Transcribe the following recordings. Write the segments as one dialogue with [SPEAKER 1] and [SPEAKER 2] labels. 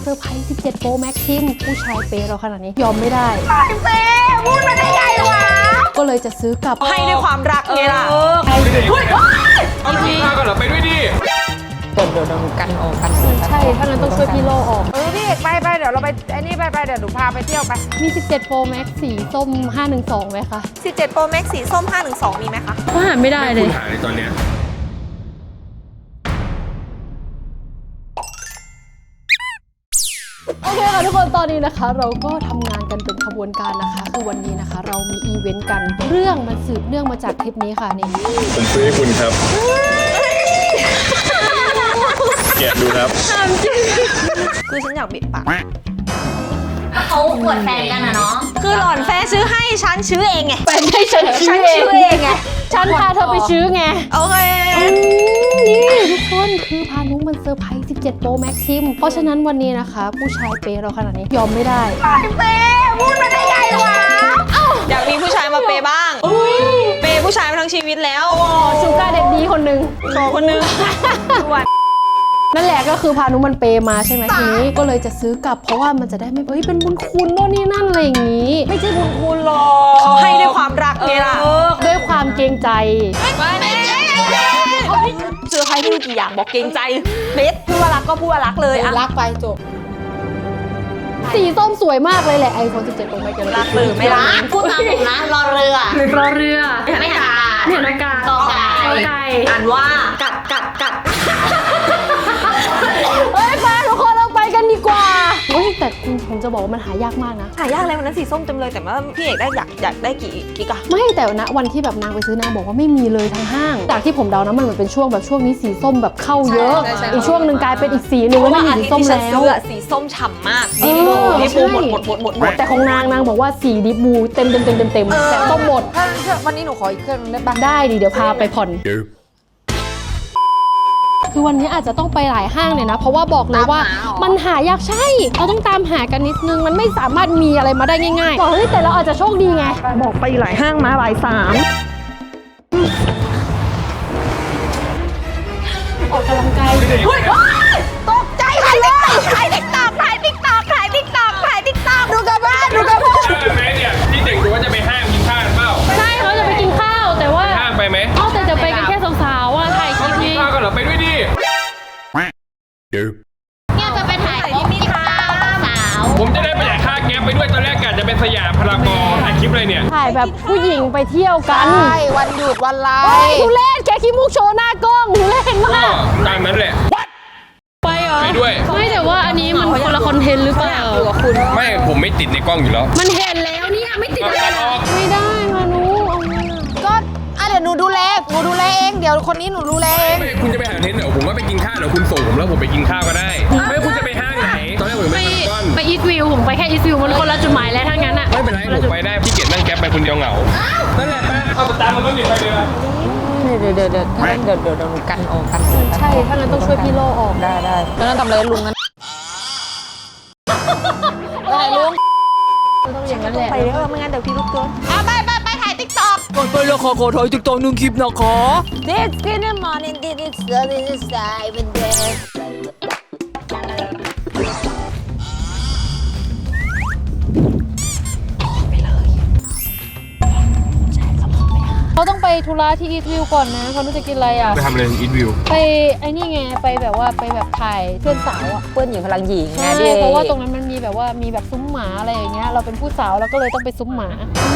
[SPEAKER 1] ซอร์ไพรส์17 Pro Max ทิมผู้ชายเปย์เราขนาดนี้ยอมไม่ได้
[SPEAKER 2] เปย์พูดมาได้ไงวะ
[SPEAKER 1] ก็เลยจะซื้อกลับ
[SPEAKER 2] ให้ด้วยความรักไงล่ะ
[SPEAKER 3] เอากินข้าวกันเหรอไปด้วยดิ
[SPEAKER 4] เดี๋ยวกันออกกัน
[SPEAKER 1] ใช่ถ้างั้นต้องช่วยพี่โลออก
[SPEAKER 2] พี่เอกไปเดี๋ยวเราไปไอ้นี่ไปเดี๋ยวหนูพาไปเที่ยวไป
[SPEAKER 1] มี17 Pro Max สีส้ม512ไหมคะ
[SPEAKER 2] 17 Pro Max สีส้ม512มีไหมคะ
[SPEAKER 1] ก็หาไม่ได้เลย
[SPEAKER 3] คุณหาในตอนเนี้ย
[SPEAKER 1] โอเคค่ะทุกคนตอนนี้นะคะเราก็ทำงานกันเป็นขบวนการนะคะคือวันนี้นะคะเรามีอีเวนต์กันเรื่องมันสืบเนื่องมาจากคลิปนี้ค่ะนี่
[SPEAKER 3] ผมซื้อให้คุณครับแกะดูครับ
[SPEAKER 2] คือฉันอยากบิดปาก
[SPEAKER 4] เขาปวดแฟนกันนะเนาะ
[SPEAKER 2] คือหล่อนแฟนซื้อให้ฉันซื้อเองไง
[SPEAKER 1] แฟนให้ฉันซื้อเองไงฉันพาเธอไปซื้อไง
[SPEAKER 2] โอเค
[SPEAKER 1] นี่ทุกคนคือพานุมันเซอร์ไพรส์17 Pro Max ทิมเพราะฉะนั้นวันนี้นะคะผู้ชายเปย์เราขนาดนี้ยอมไม่ได้
[SPEAKER 2] เปย์พูดมาได้ไงวะอยากมีผู้ชายมาเปย์บ้างเปย์ผู้ชายมาทั้งชีวิตแล้ว
[SPEAKER 1] ชูการ์เด็กดีคนนึง
[SPEAKER 2] โชว์คนนึง
[SPEAKER 1] นั่นแหละก็คือพานุมันเปย์มาใช่ไหมทีนี้ก็เลยจะซื้อกลับเพราะว่ามันจะได้ไม่เป็นบุญคุณโน่นนี่นั่นอะไรอย่างนี้
[SPEAKER 2] ไม่ใช่บุญคุณหรอกเขาให้ด้วยความรักไงล่ะ
[SPEAKER 1] ด้วยความเกรงใจ
[SPEAKER 2] เสื้อใครที่มีกี่อย่างบอกเกรงใจเบสพูดว่ารักก็พูดว่ารักเลย
[SPEAKER 1] รักไปจบสีส้มสวยมากเลยแหละiPhone 17 Pro Max
[SPEAKER 2] รักหรือไม่รัก
[SPEAKER 4] พูดตามผมนะรอเรือไม่หัน
[SPEAKER 1] อากาศ
[SPEAKER 4] กอไก่
[SPEAKER 2] อ่านว่ากัด
[SPEAKER 1] เฮ้ยไปทุกคนเราไปกันดีกว่าแต่ผมจะบอกว่ามันหายากมากนะ
[SPEAKER 2] หายากเลยวันนั้นสีส้มเต็มเลยแต่ว่าพี่เอกได้อยากได้กี่กิกะ
[SPEAKER 1] ไม่แต่นะวันที่แบบนางไปซื้อนางบอกว่าไม่มีเลยทั้งห้างจากที่ผมเดานะมันเหมือนเป็นช่วงแบบช่วงนี้สีส้มแบบเข้าเยอะอีกช่วงหนึ่งกลายเป็นอีกสีหนึ่งแล้วไม่มีสีส้มแล้ว
[SPEAKER 2] สีส้มฉ่ำมากดิบูหมด
[SPEAKER 1] แต่ของนางบอกว่าสีดิบูเต็มแต่ส้มหมด
[SPEAKER 2] วันนี้หนูขออีกเครื่องได้ปะ
[SPEAKER 1] ได้ดิเดี๋ยวพาไปผ่อนคือวันนี้อาจจะต้องไปหลายห้างเลยนะเพราะว่าบอกเลยว่ามันหายากใช่เราต้องตามหากันนิดนึงมันไม่สามารถมีอะไรมาได้ง่ายๆบอกเฮ้ยแต่เราอาจจะโชคดีไง
[SPEAKER 2] บอกไปหลายห้างมาบ่าย 3
[SPEAKER 1] ออกกำลังกาย
[SPEAKER 2] ตกใจถ่ายติ๊กต็อกดูกันบ้าน
[SPEAKER 3] ไหมเนี่ยที่เด็กดูว่าจะไปห้างกินข้าวเปล่า
[SPEAKER 1] ใช่เขาจะไปกินข้าวแต่ว่า
[SPEAKER 3] ห้างไปไหม
[SPEAKER 1] แต่จะไปกันแค่สาวๆว่าถ่ายคลิปนี้
[SPEAKER 3] ข้าวกันเหรอไปด้วยดิ
[SPEAKER 4] เนี่ยจะไปถ่ายรูปมีข้าวสาว
[SPEAKER 3] ผมจะได้ประหยัดค่าแก๊ปไปด้วยตอนแรกกะจะเป็นสยามพารากอนถ่ายคลิปอะไรเนี่ย
[SPEAKER 1] ถ่ายแบบผู้หญิงไปเที่ยวกัน
[SPEAKER 2] ใช่วันหยุดวันไล
[SPEAKER 1] ฟ์ทุเรศแกขี้มุกโชว์หน้ากล้องทุเรศมาก
[SPEAKER 3] ตามนั้นแหละ
[SPEAKER 1] ไปเหรอ
[SPEAKER 3] ไปด้วย
[SPEAKER 1] ไม่แต่ว่าอันนี้มันคนละคอนเทนต์หรือเปล่า
[SPEAKER 3] ไม่ผมไม่ติดในกล้องอยู่แล้ว
[SPEAKER 1] มันเห็นแล้วเนี่ยไม่ติดอะไรไม่ได้มานุ
[SPEAKER 2] ก็เดี๋ยวหนูดูแลเองเดี๋ยวคนนี้หนูดูแลเอง
[SPEAKER 3] คุณจะไปหาเทนเดี๋ยวผมว่าไปกินข้าวเดี๋ยวคุณส่งผมแล้วผมไปกินข้าวก็ได้ไม่คุณจะไปห้างไหนตอนแรกผม
[SPEAKER 1] ไปอีทวิวผมไปแค่อีทวิวมันคนละจุดหมายแล้วทั้งนั้นอ่ะ
[SPEAKER 3] ไม่เป็นไรผมไปได้พี่เกดนั่งแก๊ปไปคนเดียวเหงานั่นแหละไปเอาตามมันต้องหนีไปเลย
[SPEAKER 4] เดี๋ยวหนูกันออกกัน
[SPEAKER 1] ใช่ถ้างั้นต้องช่วยพี่โลออก
[SPEAKER 4] ได้แล้วนั่นทำอะไรลุงนั้น
[SPEAKER 2] ได้ลุง
[SPEAKER 1] ต้องอย่างนั้นแหละ
[SPEAKER 2] ไปไม่งั้นเดี๋ยวพี่ลุกเกินไปถ่ายติ๊กต็อก
[SPEAKER 3] ก่อนไปแล้วขอถ่ายติ๊กต็อก1 คลิปนะคะ
[SPEAKER 2] This in the morning did it so this is even there
[SPEAKER 1] เขาต้องไปธุระที่อีทวิวก่อนนะเขาจะกินอะไรอ่ะ
[SPEAKER 3] ไปทำอะไรอีทวิว
[SPEAKER 1] ไปไอ้นี่ไงไปแบบว่าไปแบบถ่ายเพื่อนสาวอ่ะ
[SPEAKER 4] เพื่อนหญิงพลังหญิง
[SPEAKER 1] ใช่เพราะว่าตรงนั้นมันมีแบบว่ามีแบบซุ้มหมาอะไรอย่างเงี้ยเราเป็นผู้สาวเราก็เลยต้องไปซุ้มหมา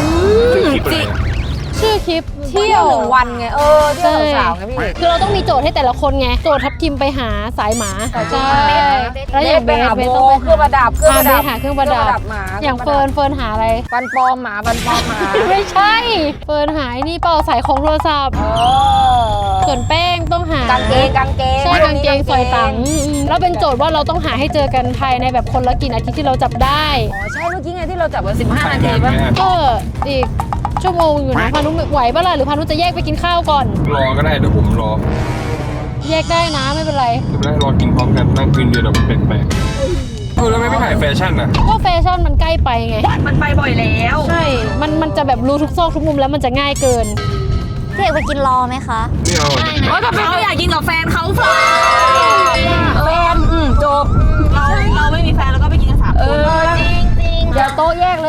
[SPEAKER 1] ชื่อคลิปเที่ยว
[SPEAKER 2] 1 วันไงเที่ยวสาวไงพี่
[SPEAKER 1] คือเราต้องมีโจทย์ให้แต่ละคนไงโจทย์ทับทิมไปหาสายหมาใช่แล้วอย่างเบสต้องไปหา
[SPEAKER 2] เครื่องประดับ
[SPEAKER 1] หาเครื่องประดับอย่างเฟิร์นหาอะไร
[SPEAKER 2] ฟันปลอมหมา
[SPEAKER 1] ไม่ใช่เฟิร์นหานี่เปล่าสายของโทรศัพท์ส่วนแป้งต้องหาก
[SPEAKER 2] างเกง
[SPEAKER 1] ใช่กางเกงสอยตังแล้วเป็นโจทย์ว่าเราต้องหาให้เจอกันภายในแบบคนละกี่นาทีที่เราจับได้
[SPEAKER 2] ใช่เมื่อกี้ไงที่เราจับกัน15 นาทีป่ะ
[SPEAKER 1] ก็อีกชั่วโมงอยู่นะพานุไหวป่ะล่ะหรือพานุจะแยกไปกินข้าวก่อน
[SPEAKER 3] รอก็ได้เดี๋ยวผมรอ
[SPEAKER 1] แยกได้นะไม่เป็นไร
[SPEAKER 3] ไม่เป็นไรรอกินพร้อมกันนั่งกินเดียวเดี๋ยวมันแปลกๆแล้วไม่ถ่ายแฟชั่นอ่ะ
[SPEAKER 1] ก็แฟชั่นมันใกล้ไปไง
[SPEAKER 2] มันไปบ่อยแล้ว
[SPEAKER 1] ใช่มันจะแบบรู้ทุกซอกทุกมุมแล้วมันจะง่ายเกิน
[SPEAKER 4] พี่เอกไปกินรอไหมคะ
[SPEAKER 3] ไม่เอา
[SPEAKER 2] ถ้าเขาอยากกินกับแฟนเขาแฟนจบเราไม่มีแฟน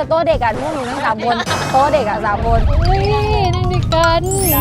[SPEAKER 4] โต๊ะเด็กอ่ะพวกหนูนั่ง3 คนโต๊ะเด็กอ่ะ3 คน
[SPEAKER 1] เฮ้ยนั่งด้วยกัน
[SPEAKER 4] ได้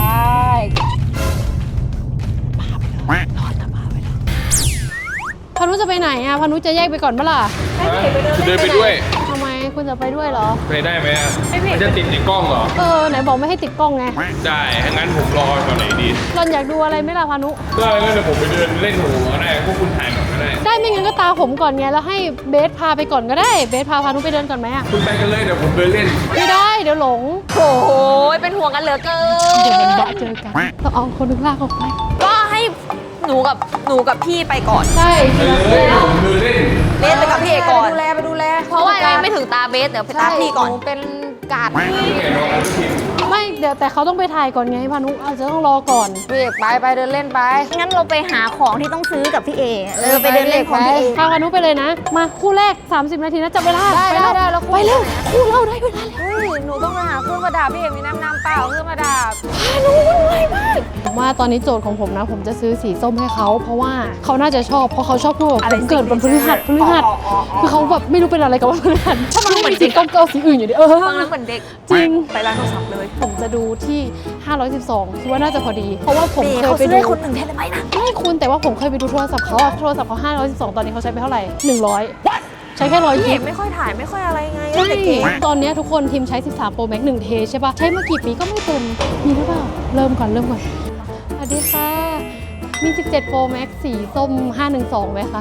[SPEAKER 1] พานุจะไปไหนอ่ะพานุจะแยกไปก่อนปะล่ะ
[SPEAKER 3] คุณเดินไปด้วย
[SPEAKER 1] ทำไมคุณจะไปด้วยเหรอ
[SPEAKER 3] ไปได้ไหมอ่ะมันจะติดในกล้องเหรอ
[SPEAKER 1] ไหนบอกไม่ให้ติดกล้องไง
[SPEAKER 3] ได้งั้นผมรอตอนไหนดี
[SPEAKER 1] รอนอยากดูอะไรไหมล่ะพานุ
[SPEAKER 3] ก็งั้นเดี๋ยวผมไปเดินเล่นหูก็ได้พวกคุณถ่ายก่อนก็ได้
[SPEAKER 1] ได้ไม่งั้นก็ตาผมก่อนไงแล้วให้เบสพาไปก่อนก็ได้เบสพาพานุไปเดินก่อนไหมอ่ะ
[SPEAKER 3] คุณไปกันเลยเดี๋ยวผมเดินเล่น
[SPEAKER 1] ไม่ได้เดี๋ยวหลง
[SPEAKER 2] โอ้โหเป็นห่วงกันเหลือเกิ
[SPEAKER 1] เดี๋ยวมันบะเจอกันเราเอาคนนึงลากออกไป
[SPEAKER 2] ก็ให้หนูกับพี่ไปก่อน
[SPEAKER 1] ใช่
[SPEAKER 3] ไปเลยผมเดินเล่น
[SPEAKER 2] เบสไปกับพี่เอกก่อน
[SPEAKER 4] ไปดูแล
[SPEAKER 2] เพราะว่ายังไม่ถึงตาเบสเดี๋ยวไปตาพี่ก่อน
[SPEAKER 4] หนูเป็นกาด
[SPEAKER 1] ไม่เดี๋ยวแต่เขาต้องไปถ่ายก่อนไงพานุอาจจะต้องรอก่อน
[SPEAKER 4] พี่เอกไปเดินเล่นไป
[SPEAKER 5] งั้นเราไปหาของที่ต้องซื้อกับพี่เอไปเดินเล่นของพี่เอ
[SPEAKER 1] พาพานุไปเลยนะ มาคู่แรก 30 นาทีนะจับเวลา
[SPEAKER 4] ได้
[SPEAKER 1] ไปแล้ว
[SPEAKER 4] ได้แล้ว
[SPEAKER 1] ไปเร็วคู่เราได้เวลาแล้ว
[SPEAKER 4] เฮ้ยหนูต้องไปหาเครื่องประดับพี่เอกมีน้ำเปล่าเครื่องประดับ
[SPEAKER 1] พานุมันไวมากผมว่าตอนนี้โจทย์ของผมนะ ผมจะซื้อสีส้มให้เขาเพราะว่าเขาน่าจะชอบเพราะเขาชอบพูดว่าผมเกิดวันพฤหัสคือเขาแบบไม่รู้เป็นอะไรกับวันพฤหัสถ้ามันมีสีส้มก็เอาสีอื่นอยู่ดิ
[SPEAKER 2] ฟังแล้วเหมือนเด็ก
[SPEAKER 1] จริง
[SPEAKER 2] ไปร้านโทรศัพท์เลย
[SPEAKER 1] ผมจะดูที่ 512คิดว่าน่าจะพอดี เพราะว่าผม
[SPEAKER 5] เอ
[SPEAKER 1] เคย
[SPEAKER 5] เขา
[SPEAKER 1] ไป
[SPEAKER 5] ซื้อ
[SPEAKER 1] ดู
[SPEAKER 5] ให้คนหนึ่งแทนได้ไหมนะ
[SPEAKER 1] ไม่คุณแต่ว่าผมเคยไปดูโทรศัพท์เขาอะโทรศัพท์เขา512ตอนนี้เขาใช้ไปเท่าไหร่100ใช้แค่100
[SPEAKER 2] พี่
[SPEAKER 1] กิ
[SPEAKER 2] เอก กไม่ค่อยถ่ายไม่ค่อยอะไรไง
[SPEAKER 1] ใช่
[SPEAKER 2] เด็ก
[SPEAKER 1] ตอนเนี้ยทุกคนทีมใช้ 13 Pro Max 1 เทใช่ปะใช้มากี่ปีก็ไม่เต็ม มีหรือเปล่า เริ่มก่อน สวัสดีค่ะ มี 17 Pro Max สีส้ม 512ไหมคะ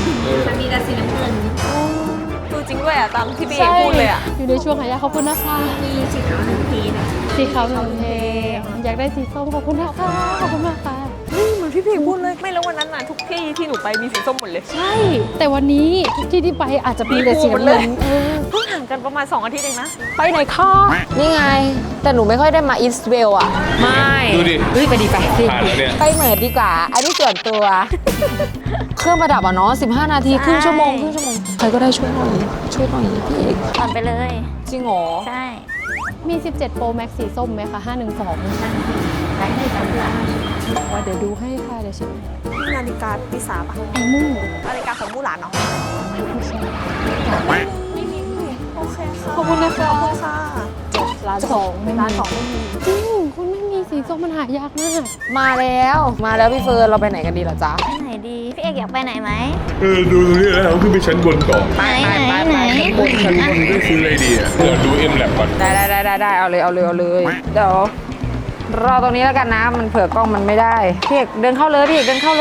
[SPEAKER 2] ดูจริงด้วยอ่ะตามที่พี่เอกพูดเลยอ่ะ
[SPEAKER 1] อยู่ในช่วงหายากขอบคุณนะคะ มีสีขาว1 เทสีขาว1 เท อยากได้สีส้มขอบคุณนะคะขอบคุณมากค่ะ
[SPEAKER 2] เหมือนพี่เอกพูดเลย ไม่แล้ววันนั้นน่ะทุกที่ที่หนูไปมีสีส้มหมดเลย
[SPEAKER 1] ใช่ แต่วันนี้ทุกที่ที่ไปอาจจะมีแต่สีน้ำเงิน
[SPEAKER 2] เพิ่งห่างกันประมาณ2 อาทิตย์เองนะ
[SPEAKER 1] ไปไหนคะ
[SPEAKER 4] นี่ไง แต่หนูไม่ค่อยได้มาอิสเวลอ่ะ
[SPEAKER 2] ไม่
[SPEAKER 3] ดูดิ
[SPEAKER 4] เฮ้ยไปดีไป
[SPEAKER 3] ผ่านแล้วเนี่ย
[SPEAKER 4] ไปเหมือนดีกว่า อันนี้ส่วนตัว เครื่องประดับอ่ะเนาะ15 นาทีครึ่งชั่วโมงใครก็ได้ช่วยหน่อยพี่เอก
[SPEAKER 5] ผ่อนไปเลย
[SPEAKER 4] จริงเหรอ
[SPEAKER 5] ใช่
[SPEAKER 1] มี 17 Pro Max สีส้มไหมคะ 512ว่าเดี๋ยวดูให้ค่ะ เดี๋ยวเช็ค
[SPEAKER 2] นาฬิกาปีศาจปะ
[SPEAKER 1] ไอ้มู่
[SPEAKER 2] นาฬิกาของมู่หลานเนาะโอเคค่ะ
[SPEAKER 1] ขอบคุณนะคะ
[SPEAKER 2] ขอบคุณค่ะ
[SPEAKER 1] ร้านสองไม่มี
[SPEAKER 2] ร้าน2ไม่มี
[SPEAKER 1] จริง คุณไม่มีสีส้มมันหายากมาก
[SPEAKER 4] มาแล้วพี่เฟิร์นเราไปไหนกันดีล่ะจ๊ะ
[SPEAKER 5] ไปไหนดี พี่เอกอยากไปไหนไหม
[SPEAKER 3] ดูตรงนี้แล้วเราขึ้นไปชั้นบนก่อน
[SPEAKER 5] ไหน
[SPEAKER 3] บนชั้นบนได้ซื้ออะไรดีอ่ะเดี๋ยวดูเอ็มแลบก่อน
[SPEAKER 4] ได้เอาเลยเดี๋ยวรอตรงนี้แล้วกันนะมันเผื่อกล้องมันไม่ได้พี่เอกเดินเข้าเลย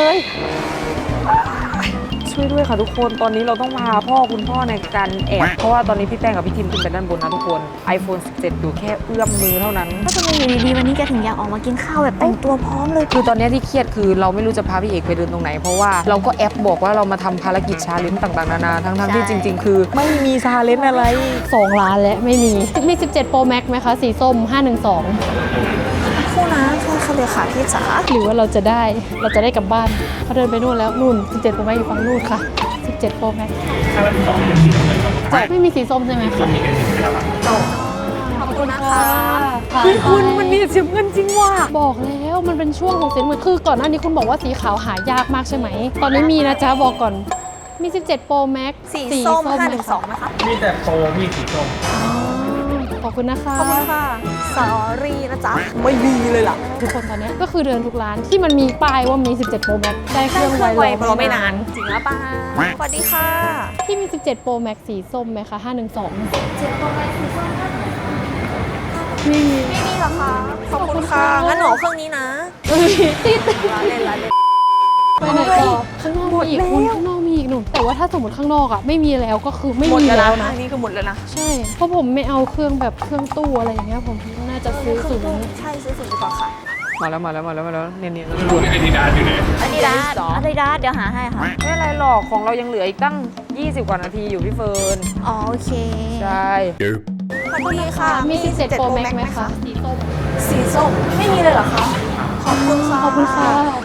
[SPEAKER 4] ช่วยด้วยค่ะทุกคนตอนนี้เราต้องพาคุณพ่อในการแอบเพราะว่าตอนนี้พี่แป้งกับพี่ทิมขึ้นไปด้านบนนะทุกคน iPhone 17 อยู่แค่เอื้อมมือเท่านั้น
[SPEAKER 5] ก็จะมีอยู่ดีๆวันนี้แกถึงอยากออกมากินข้าวแบบแต่งตัวพร้อมเลย
[SPEAKER 4] คือตอนนี้ที่เครียดคือเราไม่รู้จะพาพี่เอกไปเดินตรงไหน เพราะว่าเราก็แอปบอกว่าเรามาทำภารกิจชาเลนจ์ต่างๆนานาทั้งที่จริง ๆ คือไม่มีชาเลนจ์อะไร
[SPEAKER 1] 2 ล้านและไม่มี มี 17 Pro Max ไหมคะ สีส้ม 512
[SPEAKER 2] คู่นะค่ะเลยค่ะพี่จ๋า
[SPEAKER 1] หรือว่าเราจะได้กลับบ้านเขาเดินไปนู่นแล้วนู่น 17 Pro Max อยู่ฝั่งนู่นค่ะ 17 Pro Max ไม่มีสีส้มใช่ไหมคะ
[SPEAKER 2] ขอบคุณนะคะ
[SPEAKER 1] คุณมันมีสีเงินจริงว่ะบอกแล้วมันเป็นช่วงของสีเงินคือก่อนหน้านี้คุณบอกว่าสีขาวหายากมากใช่ไหม ตอนนี้มีนะจ๊ะบอกก่อนมี 17 Pro Max
[SPEAKER 2] สีส้ม
[SPEAKER 1] ไหคะ
[SPEAKER 2] 512นะคะ
[SPEAKER 3] มีแต่โปรมีสีส้ม
[SPEAKER 1] ขอบคุณนะคะ
[SPEAKER 2] ขอบคุณค่ะสอรี่นะจ๊ะ ไม่มีเลยล่ะ
[SPEAKER 1] ทุกคนตอนเนี้ยก็คือเดินทุกร้านที่มันมีป้ายว่ามี 17 Pro Max ได้เค
[SPEAKER 2] ได้
[SPEAKER 1] รื่อง
[SPEAKER 2] เครื่องไว
[SPEAKER 1] ไว
[SPEAKER 2] รอไม่นาน จริงหรือเปล่าสวัสดีค่ะ
[SPEAKER 1] ที่มี 17 Pro Max สีส้มไหมคะ 512ไม่มี
[SPEAKER 2] ไม่มีหรอคะ ขอบคุณค่ะ งั้นหนูเอาเครื่องนี้นะ
[SPEAKER 1] ติด
[SPEAKER 2] ร้านเล่น
[SPEAKER 1] ไปไหนต่อข้างนอกมีอีกคุณข้างนอกมีอีกหนูแต่ว่าถ้าสมมติข้างนอกอ่ะไม่มีแล้วก็คือไม่
[SPEAKER 2] หมด
[SPEAKER 1] มี
[SPEAKER 2] แล้ว
[SPEAKER 1] แล้ว
[SPEAKER 2] นะ
[SPEAKER 1] นะ
[SPEAKER 2] อันนี้คือหมดแล้วนะ
[SPEAKER 1] ใช่เพราะผมไม่เอาเครื่องแบบเครื่องตู้อะไรอย่างเงี้ยผมน่าจะซื้อศูนย์
[SPEAKER 2] ใช่ซื้อศูนย์ดีกว่าค่ะ
[SPEAKER 4] มาแล้วเนียน
[SPEAKER 3] ดูในไอดีดาอยู่ไหน
[SPEAKER 5] อาดิดาสอาดิดาสเดี๋ยวหาให้ค่ะ
[SPEAKER 4] ๆไม่อะไรหรอกของเรายังเหลืออีกตั้ง 20 กว่านาทีอยู่พี่เฟิร์น
[SPEAKER 5] อ๋อโอเค
[SPEAKER 4] ใช่
[SPEAKER 2] สวัสดีค่ะ
[SPEAKER 1] มี 17 Pro Max ไหมคะสีส้ม
[SPEAKER 2] สีส้ม ไม่มีเลยเหรอคะ ขอบคุณค่ะ
[SPEAKER 1] ขอบคุณค่ะ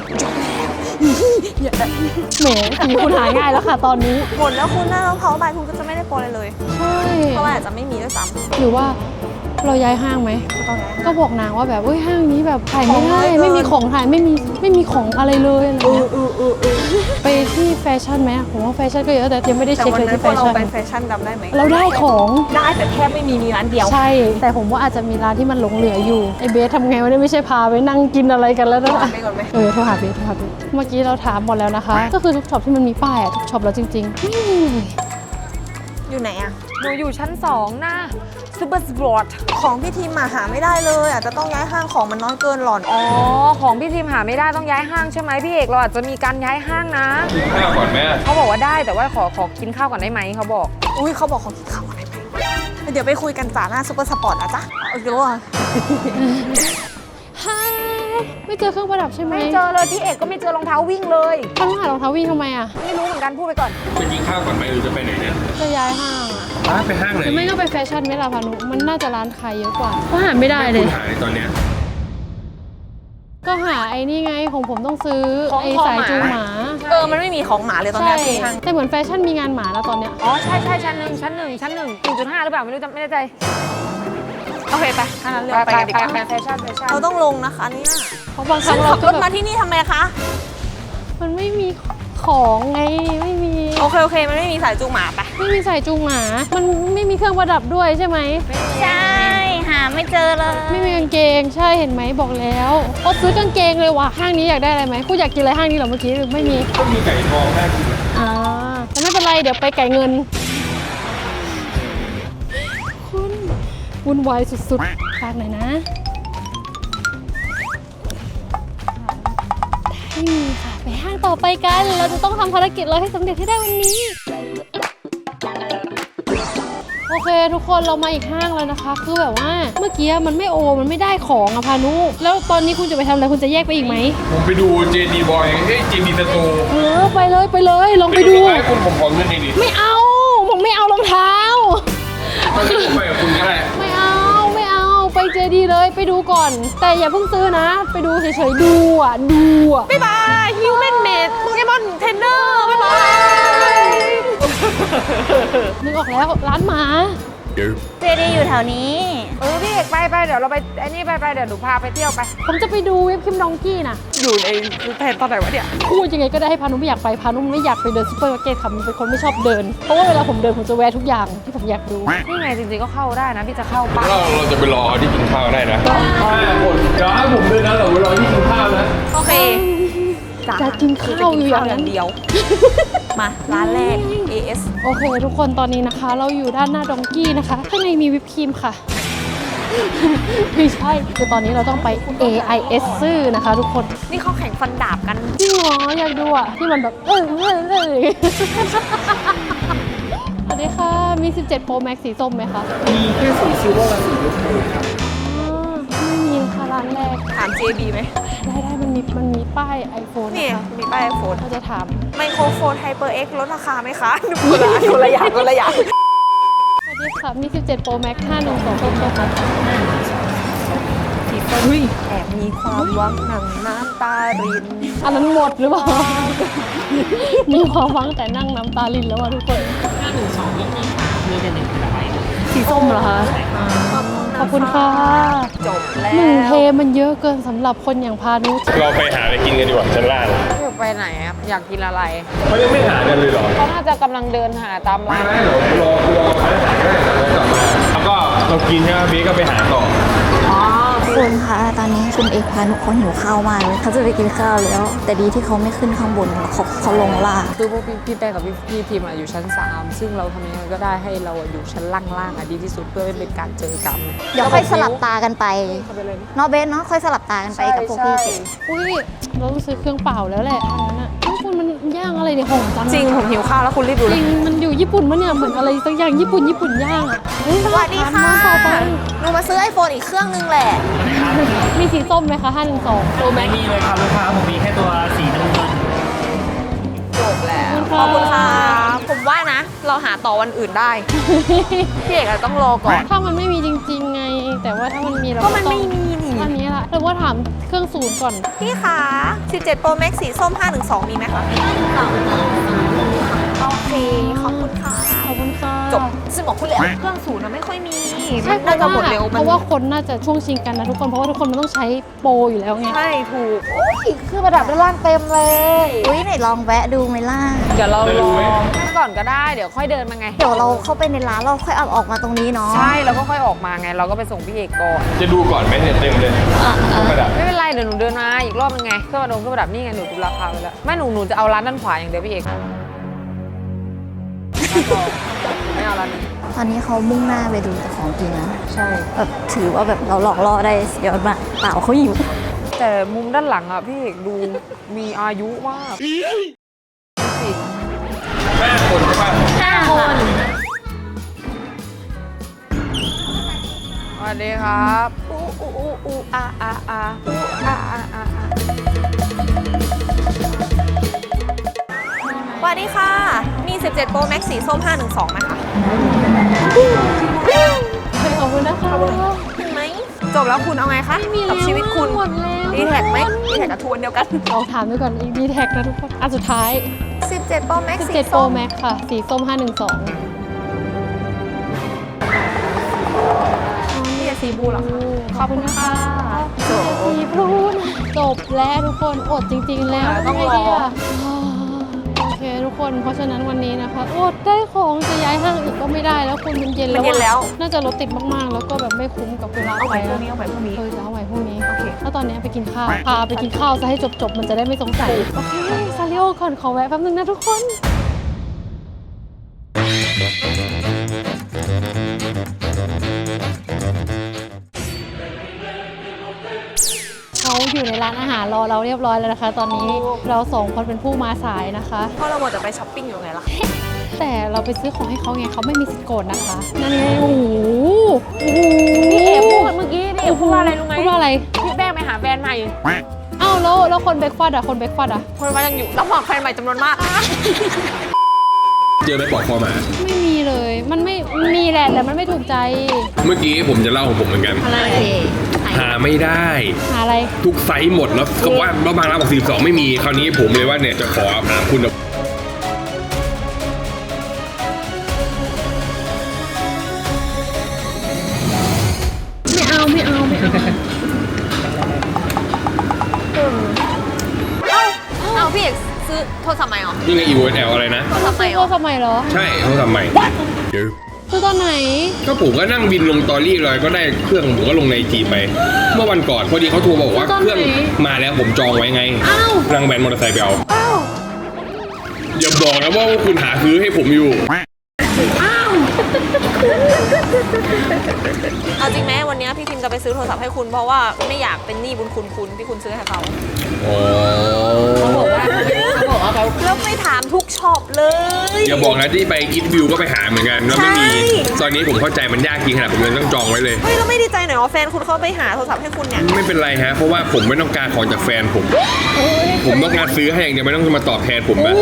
[SPEAKER 1] แหมสีคุณหาง่ายแล้วค่ะตอนนี้
[SPEAKER 2] หมดแล้วคุณหน้าเพาใบคุณก็จะไม่ได้โปรเลยเลย
[SPEAKER 1] ใช่
[SPEAKER 2] เพราะว่าอาจจะไม่มีด้วยซ้ำ
[SPEAKER 1] หรือว่าเราย้ายห้างไหมก็บอกนางว่าแบบห้างนี้แบบถ่ายไม่ได้ไม่มีของถ่ายไม่มีของอะไรเลยอะไรเงี้ยไปที่แฟชั่นไหมผมว่าแฟชั่นก็เยอะแต่ยังไม่ได้
[SPEAKER 2] แต่
[SPEAKER 1] เช็ค
[SPEAKER 2] วัน
[SPEAKER 1] เลย
[SPEAKER 2] นั้น
[SPEAKER 1] ที่
[SPEAKER 2] พ
[SPEAKER 1] แฟ
[SPEAKER 2] อเรา
[SPEAKER 1] ชั่น
[SPEAKER 2] ไปแฟชั่นจำได้ไหม
[SPEAKER 1] เราได้ของ
[SPEAKER 2] ได้แต่แทบไม่มีร้านเดียว
[SPEAKER 1] ใช่ แต่ผมว่าอาจจะมีร้านที่มันหลงเหลืออยู่ไอเบสทำไงวะเนี่ยไม่ใช่พาไปนั่งกินอะไรกันแล้วนะ
[SPEAKER 2] ไปก่อนไหม
[SPEAKER 1] โทรหาเบสเมื่อกี้เราถามหมดแล้วนะคะ ก็คือทุกช็อปที่มันมีป้ายทุกช็อปแล้วจริงๆไม่มีเลย
[SPEAKER 2] อยู่ไหนอะ
[SPEAKER 4] หนูอยู่ชั้น2นะซูเปอร์สปอร์ต
[SPEAKER 2] ของพี่ทีมมาหาไม่ได้เลยอาจจะต้องย้ายห้างของมันน้อยเกินหล่อน
[SPEAKER 4] อ๋อของพี่ทีมหาไม่ได้ต้องย้ายห้างใช่ไหมพี่เอกเราอาจจะมีการย้ายห้างนะ
[SPEAKER 3] กินข้าวก่อนไหม
[SPEAKER 4] เขาบอกว่าได้แต่ว่าขอกินข้าวก่อนได้ไหมเขาบอก
[SPEAKER 2] อุ้ยเขาบอกเขากินข้าวอะไรไปเดี๋ยวไปคุยกันจ่าหน้าซุปเปอร์สปอร์ตนะจ๊ะเอาอีกแล้วอ่ะ
[SPEAKER 1] ฮายไม่เจอเครื่องประดับใช่ไหม
[SPEAKER 4] ไม่เจอเลยพี่เอกก็ไม่เจอรองเท้าวิ่งเลย
[SPEAKER 1] เขาต้องหารองเท้าวิ่งทำไมอ่ะ
[SPEAKER 4] ไม่รู้เหมือนกันพูดไปก่อน
[SPEAKER 3] ไปกินข้าวก่อนไหมหรือจะไปไหนเนี่ย
[SPEAKER 1] จะย้ายห้างอ่ะ
[SPEAKER 3] ไปห้างไหน
[SPEAKER 1] หรือไม่ก็ไปแฟชั่นไหมล่ะพานุมันน่าจะร้านขายเยอะกว่าก็หาไม่ได้เลย
[SPEAKER 3] คุณหาในตอนเนี้ย
[SPEAKER 1] ก็หาไอ้นี่ไงของผมต้องซื้อ
[SPEAKER 4] ของ
[SPEAKER 1] ไอ้
[SPEAKER 4] คอ
[SPEAKER 1] สาย
[SPEAKER 4] หมา
[SPEAKER 1] จูงหมา
[SPEAKER 2] มันไม่มีของหมาเลยตอน
[SPEAKER 1] ใช่
[SPEAKER 2] นี้ที่ห้าง
[SPEAKER 1] แต่เหมือนแฟชั่นมีงานหมาแล้วตอนเนี้ย
[SPEAKER 4] อ๋อใช่ชั้นหนึ่ง1.5 หรือเปล่าไม่รู้จำไม่แน่ใจ
[SPEAKER 2] โอเคไปถ้างั้นเลือกไปกันดีกว่า
[SPEAKER 4] แฟชั่น
[SPEAKER 2] เราต้องลงนะคะเนี่ย
[SPEAKER 1] เพราะบางครั้
[SPEAKER 2] ซึ่
[SPEAKER 1] ง
[SPEAKER 2] ง
[SPEAKER 1] เรา
[SPEAKER 2] ขับ
[SPEAKER 1] ก็
[SPEAKER 2] รถ
[SPEAKER 1] แบ
[SPEAKER 2] มา
[SPEAKER 1] บ
[SPEAKER 2] ที่นี่ทำไมคะ
[SPEAKER 1] มันไม่มีของไงไม่มี
[SPEAKER 2] โอเคมันไม่มีสายจูงหมาไป
[SPEAKER 1] ไม่มีสายจูงหมา มันไม่มีเครื่องประดับด้วยใช่ไหม
[SPEAKER 5] ใช่ หาไม่เจอเลย
[SPEAKER 1] ไม่มีกางเกงใช่เห็นไหมบอกแล้วก็ซื้อกางเกงเลยว่ะห้างนี้อยากได้อะไรไหมคุณอยากกินอะไรห้างนี้เหรอเมื่อกี้หรือไม่มี
[SPEAKER 3] ก็มีไก่ทองน่ากิน
[SPEAKER 1] แต่ไม่เป็นไรเดี๋ยวไปไก่เงินคุณวุ่นวายสุดๆฝากหน่อยนะไม่มีค่ะไปห้างต่อไปกันเราจะต้องทำภารกิจเราให้สำเร็จให้ได้วันนี้ โอเคทุกคนเรามาอีกห้างแล้วนะคะคือแบบว่าเมื่อกี้มันไม่ได้ของอะพานุแล้วตอนนี้คุณจะไปทำอะไรคุณจะแยกไปอีกไหม
[SPEAKER 3] ผมไปดู JD Boy JD Store
[SPEAKER 1] ไปเลยลองไปดู
[SPEAKER 3] ให้คุณผมขอเงินหน่อยดิ
[SPEAKER 1] ไม่เอาผมไม่เอารองเท้า
[SPEAKER 3] ไม่ได้ผมไปกับคุณก็ได้
[SPEAKER 1] ไม่เอาไปเจดีเลยไปดูก่อน แต่อย่าเพิ่งซื้อนะ ไปดูเฉยๆดูอ่ะ
[SPEAKER 2] บ๊ายบายฮิวแมนเมดโปเกมอนเทรนเนอร์บ๊ายบาย
[SPEAKER 1] นึกออกแล้วร้านหมา
[SPEAKER 5] เจดีอยู่แถวนี้
[SPEAKER 4] พี่เอกไปเดี๋ยวเราไปไอ้นี่ไปเดี๋ยวหนูพาไปเที่ยวไป
[SPEAKER 1] ผมจะไปดูเว็บคิมดองกี้น่ะ
[SPEAKER 4] อยู่ในแผนตอนไหนวะเนี่ย
[SPEAKER 1] พูดยังไงก็ได้ให้พานุไม่อยากไปพานุไม่อยากไปเดินซูเปอร์มาร์เก็ตค่ะมันเป็นคนไม่ชอบเดิน เพราะว่าเวลาผมเดินผมจะแวะทุกอย่างที่ผมอยากดู
[SPEAKER 4] นี่ไงจริงๆก็เข้าได้นะพี่จะเข้าป้า
[SPEAKER 3] เราจะไปรอที่กินข้าวได้นะ5 คนเดี๋ยวให้ผมด้วยนะเราไปรอที่กินข้าวนะ
[SPEAKER 2] โอเค
[SPEAKER 1] จะกินข้าวอยู่อย่างนั้น
[SPEAKER 2] เดียว มาร้านแรก AS
[SPEAKER 1] โอเค ทุกคนตอนนี้นะคะ เราอยู่ด้านหน้าดองกี้นะคะข้างในมีวิปครีมค่ะ ไม่ใช่คือตอนนี้เราต้องไป AIS ซื่อนะคะ ทุกคน
[SPEAKER 2] นี่เขาแข่งฟันดาบกัน
[SPEAKER 1] จริงเหรออยากดูอ่ะที่มันแบบสวัสดีค่ะมี 17 Pro Max สีส้มไหมคะมีแค่สีซิลเวอร์กับสีลูกไม่มีนะคะร้านแรก
[SPEAKER 2] ถาม JB ไหม
[SPEAKER 1] ได้มันมีป้าย iPhone
[SPEAKER 2] นี่
[SPEAKER 1] นะคะ
[SPEAKER 2] มีป้ายโฟน
[SPEAKER 1] เราจะถาม
[SPEAKER 2] ไมโครโฟน HyperX ลดราคาไหมคะคนละอย่าง
[SPEAKER 1] สวัสดีค่ะมี 17 Pro Max 512ส้มค่ะ
[SPEAKER 2] สีส้มแอบมีความหวังหนังน้ำตาริน
[SPEAKER 1] อันนั้นหมดหรือเปล่า มีความหวังแต่นั่งน้ำตาลินแล้วอ่ะทุกคนสีส้มเหรอคะขอบคุณค่ะ
[SPEAKER 2] จบแล้ว
[SPEAKER 1] 1 เทมันเยอะเกินสำหรับคนอย่างพานุ
[SPEAKER 3] เราไปหาอะไรกินกันดีกว่าชั้นล่าง
[SPEAKER 4] พี่เอกไปไหนครับอยากกินอะไร
[SPEAKER 3] เขายังไม่หากันเลยเหรอ
[SPEAKER 4] เขาน่าจะกำลังเดินหาตามร้าน
[SPEAKER 3] ไม่เดี๋ยวรอเขาหาได้แล้วกลับมาแล้วก็เรากินใช่ไหมพี่ก็ไปหาต่อ
[SPEAKER 5] คุณคะตอนนี้คุณเอกพานุเขาหิวข้าวมากเลยเขาจะไปกินข้าวแล้ว แต่ดีที่เขาไม่ขึ้นข้างบนเขาลงล่าง
[SPEAKER 4] คือพวกพี่แป้งกับพี่ทีมอยู่ชั้น 3 ซึ่งเราทำยังไงก็ได้ให้เราอยู่ชั้นล่างๆดีที่สุดเพื่อไม่เป็นการเจอกัน
[SPEAKER 5] เดี๋ยวค่อยสลับตากันไป
[SPEAKER 4] เข้าไปเลยนะ
[SPEAKER 5] เนาะเบสเนาะค่อยสลับตากันไปกับพวกพี่เจ
[SPEAKER 1] อุ้ยเราต้องซื้อเครื่องเปล่าแล้วแหละอันนั้นอ่ะคุณมันย่างอะไรเนี่ยหอมจัง
[SPEAKER 2] จริงผมหิวข้าวแล้วคุณรีบดู
[SPEAKER 1] จ
[SPEAKER 2] เล
[SPEAKER 1] ริ
[SPEAKER 2] ย
[SPEAKER 1] งมันอยู่ญี่ปุ่นมั้ยเนี่ยเหมือนอะไรสักอย่างญี่ปุ่นย่างอ่ะเฮ้ย
[SPEAKER 2] สวัสดีค่ะ
[SPEAKER 1] ร้านต่อไป
[SPEAKER 2] หนูมาซื้อ iPhone อีกเครื่องนึงแหละ
[SPEAKER 1] มีสีส้มไหมคะ512
[SPEAKER 2] Pro Max
[SPEAKER 6] ไม่มีเลยครับลูกค้าผมมีแค่ตัวสีน้ำเงิน
[SPEAKER 2] จบแล้ว ขอบคุณค่ะ ผมว่านะ เราหาต่อวันอื่นได้ พี่เอกอาจจะต้องรอก่อน
[SPEAKER 1] ถ้ามันไม่มีจริงๆไง แต่ว่าถ้ามันมีเรา
[SPEAKER 2] ก็มันไม่มีนี่
[SPEAKER 1] อันนี้ละแต่ว่าถามเครื่องศูนย์ก่อน
[SPEAKER 2] พี่คะ17 Pro Max สีส้ม 512 มีไหมคะโอเค ขอบคุณค่ะ
[SPEAKER 1] ขอบคุณค่ะ
[SPEAKER 2] จบซึ่งบอกคุณแล้วเครื่องศูนย์นะไม่ค่อยมีมัน
[SPEAKER 1] เพ
[SPEAKER 2] น่า
[SPEAKER 1] ราะ
[SPEAKER 2] จะหมด
[SPEAKER 1] ว่า
[SPEAKER 2] เร็ว
[SPEAKER 1] เพราะว่าคนน่าจะช่วงชิงกันนะทุกคนเพราะว่าทุกคนมันต้องใช้โปรอยู่แล้วไง
[SPEAKER 2] ใช่ถูก
[SPEAKER 1] คือประดับด้านล่างเต็มเลย
[SPEAKER 5] อุ้ยไหนลองแวะดูไหมล่ะ
[SPEAKER 4] เดี๋ยวเราลองนั่งก่อนก็ได้เดี๋ยวค่อยเดินมาไง
[SPEAKER 5] เดี๋ยวเราเข้าไปในร้านเราค่อยเอาออกมาตรงนี้เนาะ
[SPEAKER 4] ใช่แล้วก็ค่อยออกมาไง เราก็ไปส่งพี่เอกก่อน
[SPEAKER 3] จะดูก่อนไหมเนี่ยเต็มเลยประดับ
[SPEAKER 4] ไม่เป็นไรเดี๋ยวหนูเดินมาอีกรอบนึงไงเครื่องประดับนี่ไงหนูดูราคาไว้แล้วไม่หนูจะเอาร้านด้านขวาอย่างเดียวพี่เอกไม่เอาร้านนี้
[SPEAKER 5] ตอนนี้เขามุ่งหน้าไปดูแต่ของกินนะใช่แบบถือว่าแบบเราหลอกล่อได้สุดยอดมากเปล่าเขาหิว
[SPEAKER 4] แต่มุมด้านหลังอ่ะพี่เอกดูมีอายุมากสิ
[SPEAKER 3] 5 คนใช่ป่ะ
[SPEAKER 4] สวัสดีครับอูอูอูอูอาอาอาอูอาอาอา
[SPEAKER 2] สวัสดีค่ะ มี 17 Pro Max สีส้ม 512ไหมคะ
[SPEAKER 1] ขอบคุณนะคะ
[SPEAKER 2] เห็นไหมจบแล้วคุณเอาไงคะกับชีวิตคุณ
[SPEAKER 1] หมดแล้ว
[SPEAKER 2] ดีแท็กไหมดีแท็กกับทวนเดียวกัน
[SPEAKER 1] ลองถามดูก่อนอีกดีแท็กนะทุกคนอันสุดท้าย
[SPEAKER 2] 17 Pro Max สี
[SPEAKER 1] 17 Pro
[SPEAKER 2] ส้ม
[SPEAKER 1] Max ค่ะ สีส้ม 512
[SPEAKER 2] นี่สีบูเหรอคะ
[SPEAKER 1] ขอบคุณค่ะสีบลูนะจบแล้วทุกคนอดจริงๆแล้ว
[SPEAKER 2] ต้องรอ
[SPEAKER 1] ทำไงดีะโอเคทุกคนเพราะฉะนั้นวันนี้นะคะอดได้ของจะย้ายห้างอีกก็ไม่ได้แล้วคุณมันเย็น
[SPEAKER 2] มัน
[SPEAKER 1] แล้ว
[SPEAKER 2] เย็นแล้ว
[SPEAKER 1] น่าจะรถติดมากๆ แล้วก็แบบไม่คุ้มกับเวลา
[SPEAKER 2] เอาไป
[SPEAKER 1] ไป
[SPEAKER 2] พรุ่ง
[SPEAKER 1] นะ
[SPEAKER 2] นี้เอาไปพรุ่งนี้
[SPEAKER 1] จะเอาไว้พรุ่งนี้
[SPEAKER 2] โอเค
[SPEAKER 1] แล้วตอนนี้ไปกินข้าว พาไปกินข้าวซะให้จบๆ มันจะได้ไม่สงสัย โอเค ซาริโอก่อนขอแวะแป๊บนึงนะทุกคน เขาอยู่ในร้านอาหารรอเราเรียบร้อยแล้วนะคะ ตอนนี้เราสองคนเป็นผู้มาสายนะคะ
[SPEAKER 2] เพราะเราหมดจะไปช้อปปิ้งอยู่ไงล่ะ
[SPEAKER 1] แต่เราไปซื้อของให้เขาไงเขาไม่มีสิทธิ์โกรธนะคะ นั่นไงโอ้โหโอ้โห
[SPEAKER 4] พี่เอกพูดเมื่อกี้พี่เอกพูดว่าอะไรรู้ไหม
[SPEAKER 1] พูดว่าอะไร
[SPEAKER 4] พี่แป้งไปหาแฟนใหม่
[SPEAKER 1] อ้าวแล้วคนเบรกฟาสต์อะคนเบรกฟาสต์อะ
[SPEAKER 2] คนมายังอยู่แล้วหมอกแฟนใหม่จำนวนมาก
[SPEAKER 3] เจอไหมปลอกคอหมา
[SPEAKER 1] ไม่มีเลย มันไม่มีแหละแต่มันไม่ถูกใจ
[SPEAKER 3] เมื่อกี้ผมจะเล่าของผมเหมือนกัน
[SPEAKER 1] อะไร
[SPEAKER 3] หาไม่ได้
[SPEAKER 1] หาอะไร
[SPEAKER 3] ทุกไซส์หมดแล้วก็ว่าบางร้านบอก42ไม่มีคราวนี้ผมเลยว่าเนี่ยจะขอถามคุณ
[SPEAKER 2] เอาพี่เอกซื้อโทรศัพท์ใหม่เหรอ
[SPEAKER 3] นี่ไง EOSL อะไรนะ
[SPEAKER 2] โทรศัพท์ใหม่เหร
[SPEAKER 1] โท
[SPEAKER 2] อ
[SPEAKER 1] รศัพท์ใหม่เหรอ
[SPEAKER 3] ใช่เขาทำใหม่เดี๋ยว
[SPEAKER 1] ซื้อตอนไหน
[SPEAKER 3] ก็ผมก็นั่งบินลงตอรี่เลยก็ได้เครื่องผมก็ลงในจีไป เมื่อวันก่อนพอดีเขาโทรบอกว่าเครื่องมาแล้วผมจองไว้ไง
[SPEAKER 1] อ้าว
[SPEAKER 3] นั่งแบนมอเตอร์ไซค์ไปเอาอย่าบอกนะว่าคุณหาซื้อให้ผมอยู่
[SPEAKER 2] เอาจริงไหมวันนี้พี่พิมจะไปซื้อโทรศัพท์ให้คุณเพราะว่าไม่อยากเป็นหนี้บุญคุณที่คุณซื้อให้เขา
[SPEAKER 3] อ๋อ
[SPEAKER 2] แล้วไปถามทุกช็อปเลย
[SPEAKER 3] อย่าบอกนะที่ไปคิดวิวก็ไปหาเหมือนกันแล้วไม่มี
[SPEAKER 2] ใช่
[SPEAKER 3] ตอนนี้ผมเข้าใจมันยากจริงขนาดผมยังต้องจองไว้เลย
[SPEAKER 2] เฮ้ยเราไม่ดีใจหน่อยว่าแฟนคุณเขาไปหาโทรศัพท์ให้คุณเนี่ย
[SPEAKER 3] ไม่เป็นไรฮะเพราะว่าผมไม่ต้องการของจากแฟนผม ผมต้องการซื้อให้อย่างเดียวไม่ต้องมาตอบแทนผมนะ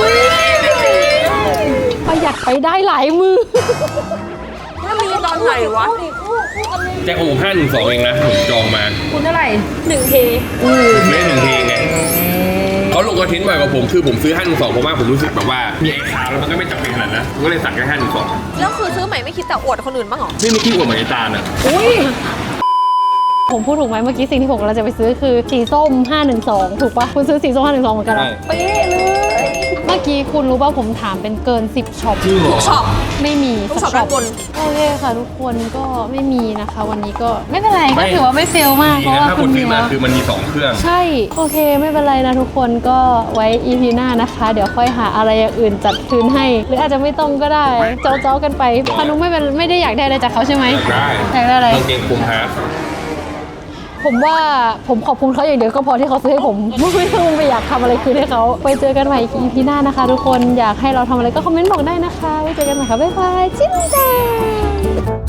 [SPEAKER 1] ประหยัดไปได้หลายมือ
[SPEAKER 2] แล้วมีตอนไหนวะ
[SPEAKER 3] แจ็คของผม512เองนะผมจองมา
[SPEAKER 4] คุณเท่าไหร่
[SPEAKER 3] ผมได้1 เพลงไงเขาลงคอนเทนต์บ่อยกว่าผมคือผมซื้อ512เพราะว่าผมรู้สึกแบบว่ามีไอ้ขาวแล้วมันก็ไม่จำเป็นขนาดนั้นผมก็เลยสั่งแค่512
[SPEAKER 2] แล้วคือซื้อใหม่ไม่คิดแต่อวดคนอื่นบ้างเหรอ
[SPEAKER 3] ไม่มีที่อวดเหมือนไอ้ตาลอ่ะ
[SPEAKER 1] ผมพูดถูกไหมเมื่อกี้สิ่งที่ผมกำลังจะไปซื้อคือสีส้ม 512 ถูกปะคุณซื้อสีส้ม 512 เหมือนกันเหรอ
[SPEAKER 3] ใช่
[SPEAKER 1] เป๊ะเลย เมื่อกี้คุณรู้ป่ะผมถามเป็นเกิน 10ช็อป
[SPEAKER 2] ทุกช็อป
[SPEAKER 1] ไม่มี
[SPEAKER 2] ทุก
[SPEAKER 1] สั
[SPEAKER 2] ช็อปด้านบน
[SPEAKER 1] โอเคค่ะทุกคนก็ไม่มีนะคะ วันนี้ก็ไม่เป็นไรก็ถือว่าไม่เฟลมากเพราะว่า
[SPEAKER 3] ถ้า
[SPEAKER 1] คุ
[SPEAKER 3] คุณ
[SPEAKER 1] ณ
[SPEAKER 3] ซื้
[SPEAKER 1] มี
[SPEAKER 3] อมา
[SPEAKER 1] แล้ว
[SPEAKER 3] คือมันมี2เครื่อง
[SPEAKER 1] ใช่ โอเคไม่เป็นไรนะทุกคนก็ไว้ EP หน้านะคะ เดี๋ยวค่อยหาอะไรอย่างอื่นจัดคืนให้ หรืออาจจะไม่ต้องก็ได้เจ้าๆกันไปพานุไม่ได้อยากได้อะไรจากเขาใช่ไหม
[SPEAKER 3] ได้
[SPEAKER 1] อยากได้อะไร
[SPEAKER 3] กางเกงคุมฮาร์ด
[SPEAKER 1] ผมว่าผมขอบคุณเขาอย่างเดียวก็พอที่เขาซื้อให้ผม ไม่ต้องไปอยากทำอะไรคืนให้เขาไปเจอกันใหม่ EP หน้านะคะ ทุกคนอยากให้เราทำอะไรก็คอมเมนต์บอกได้นะคะไว้เจอกันใหม่ค่ะบ๊ายบายจิ้มจ้า